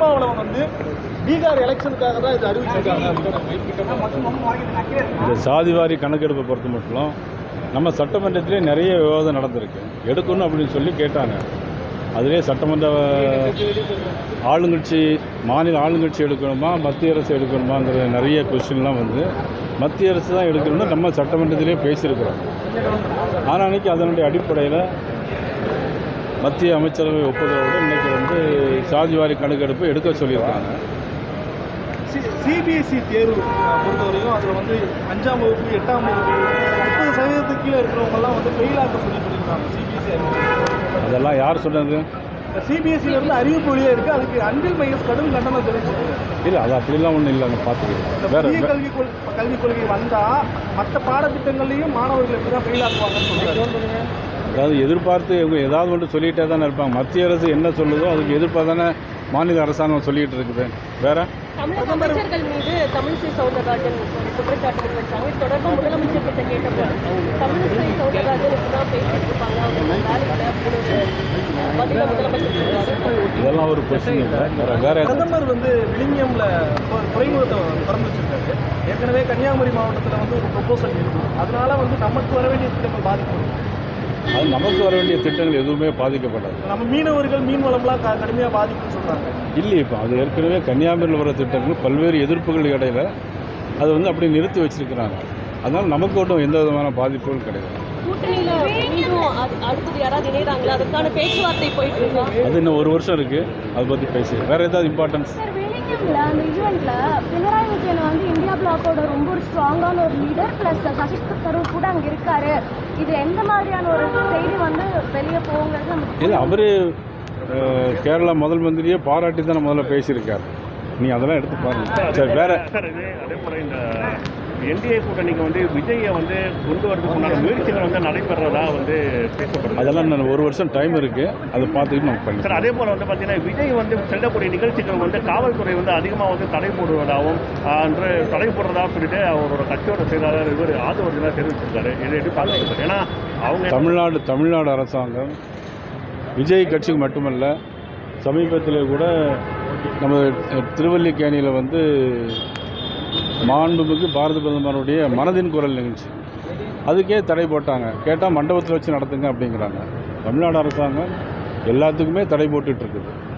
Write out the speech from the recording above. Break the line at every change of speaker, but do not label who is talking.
திருமாவளவன் வந்து பீகார் எலெக்ஷனுக்காக தான் இது அறிவிச்சிருக்காங்க.
இந்த சாதிவாரி கணக்கெடுப்பை பொறுத்த மட்டும் நம்ம சட்டமன்றத்திலே நிறைய விவாதம் நடந்திருக்கு. எடுக்கணும் அப்படின்னு சொல்லி கேட்டாங்க. அதிலே சட்டமன்ற ஆளுங்கட்சி மாநில ஆளுங்கட்சி எடுக்கணுமா மத்திய அரசு எடுக்கணுமாங்கிற நிறைய கொஸ்டின்லாம் வந்து மத்திய அரசு தான் எடுக்கணும்னு நம்ம சட்டமன்றத்திலே பேசியிருக்கிறோம். ஆனால் அன்றைக்கி அதனுடைய அடிப்படையில் மத்திய அமைச்சரவை ஒப்புதலோடு இன்றைக்கி வந்து சாதிவாரி கணக்கெடுப்பு எடுக்க சொல்லியிருக்காங்க.
சிபிஎஸ்சி தேர்வு பொறுத்தவரைக்கும் அதில் வந்து 5ஆம் வகுப்பு 8ஆம் வகுப்பு 30% கீழே இருக்கிறவங்கலாம் வந்து ஃபெயிலாக சொல்லியிருக்காங்க. சிபிஎஸ்சி
அதெல்லாம் யார் சொன்னது?
சிபிஎஸ்சியிலேருந்து அறிவிப்பு வழியாக இருக்குது. அதுக்கு அன்பில் மையஸ் கடும் கண்டனம் தெரிவிச்சிருக்கு.
இல்லை, அது அப்படிலாம் ஒன்றும் இல்லைங்க. பார்த்துக்கலாம். வேறு
கல்விக் கொள்கை வந்தால் மற்ற பாடத்திட்டங்கள்லையும் மாணவர்கள் எப்படி தான் ஃபெயில் ஆக்குவாங்கன்னு சொல்லுவாங்க.
அதாவது எதிர்பார்த்து இவங்க ஏதாவது ஒன்று சொல்லிகிட்டே தானே இருப்பாங்க. மத்திய அரசு என்ன சொல்லுதோ அதுக்கு எதிர்ப்பாக தானே மாநில அரசாங்கம் சொல்லிகிட்டு இருக்குது. வேறு
தமிழக அமைச்சர்கள் மீது தமிழிசை சவுந்தரராஜன் குற்றச்சாட்டுகள் வச்சாங்க. இது தொடர்பாக முதலமைச்சர் கிட்ட கேட்டபோது தமிழிசை சவுந்தரராஜன் இப்படிதான் பேசிட்டு இருப்பாங்க, அவங்க வேலையில் பதில முதலமைச்சர்
இதெல்லாம் ஒரு கொஸ்டின் இல்லை. வேறு
பிரதமர் வந்து விழுங்கியம்ல துறைமுகத்தை திறந்து வச்சிருக்காரு. ஏற்கனவே கன்னியாகுமரி மாவட்டத்தில் வந்து ஒரு ப்ரொபோசல் இருக்குது. அதனால வந்து நமக்கு வர வேண்டிய திட்டங்கள் பாதிக்கப்படும்.
அது நமக்கு வர வேண்டிய திட்டங்கள் எதுவுமே பாதிக்கப்படாது.
நம்ம மீனவர்கள் மீன் வளம்லாம் கடுமையாக பாதிக்கும்னு சொல்கிறாங்க.
இல்லை, இப்போ அது ஏற்கனவே கன்னியாகுமரியில் வர திட்டங்கள் பல்வேறு எதிர்ப்புகள் இடையில் அது வந்து அப்படி நிறுத்தி வச்சிருக்கிறாங்க. அதனால் நமக்கு ஒன்றும் எந்த விதமான பாதிப்புகளும் கிடையாது. அது இன்னும் ஒரு வருஷம் இருக்குது. அதை பற்றி பேசி வேறு ஏதாவது இம்பார்ட்டன்ஸ்
அந்த ஈவெண்ட்ல பினராயி விஜயன் வந்து இந்தியா பிளாக்கோட ரொம்ப ஒரு ஸ்ட்ராங்கான ஒரு லீடர் பிளஸ் சசிஷ் தரூர் கூட அங்கே இருக்காரு. இது எந்த மாதிரியான ஒரு செய்தி வந்து வெளியே போகுங்கிறது நமக்கு
இல்லை. அவரு கேரளா முதல் மந்திரியே பாராட்டி தான் முதல்ல பேசியிருக்காரு. நீ அதெல்லாம் எடுத்து பாருங்க. சரி, வேற
அதே போல இந்த என்டிஏ கூட்டணிக்கு வந்து விஜயை வந்து கொண்டு வரதுக்குண்டான முயற்சிகள் வந்து நடைபெறதா வந்து பேசப்படுது.
அதெல்லாம் நான் ஒரு வருஷம் டைம் இருக்குது. அதை பார்த்துக்கிட்டு நம்ம பண்ணி
சார். அதே போல் வந்து பார்த்தீங்கன்னா விஜய் வந்து செல்லக்கூடிய நிகழ்ச்சிகள் வந்து காவல்துறை வந்து அதிகமாக வந்து தடை போடுவதாகவும் தடை போடுறதாகவும் சொல்லிட்டு அவரோட கட்சியோட செயலாளர் இவர் ஆதரவு தெரிவிச்சிருக்காரு. இதை எப்படி பார்க்குறது? ஏன்னா அவங்க
தமிழ்நாடு அரசாங்கம் விஜய் கட்சிக்கு மட்டுமல்ல, சமீபத்தில் கூட நம்ம திருவல்லிக்கேணியில் வந்து மாண்புமிகு பாரத பிரதமருடைய மனதின் குரல் நிகழ்ச்சி அதுக்கே தடை போட்டாங்க. கேட்டால் மண்டபத்தில் வச்சு நடத்துங்க அப்படிங்கிறாங்க. தமிழ்நாடு அரசாங்கம் எல்லாத்துக்குமே தடை போட்டுட்ருக்குது.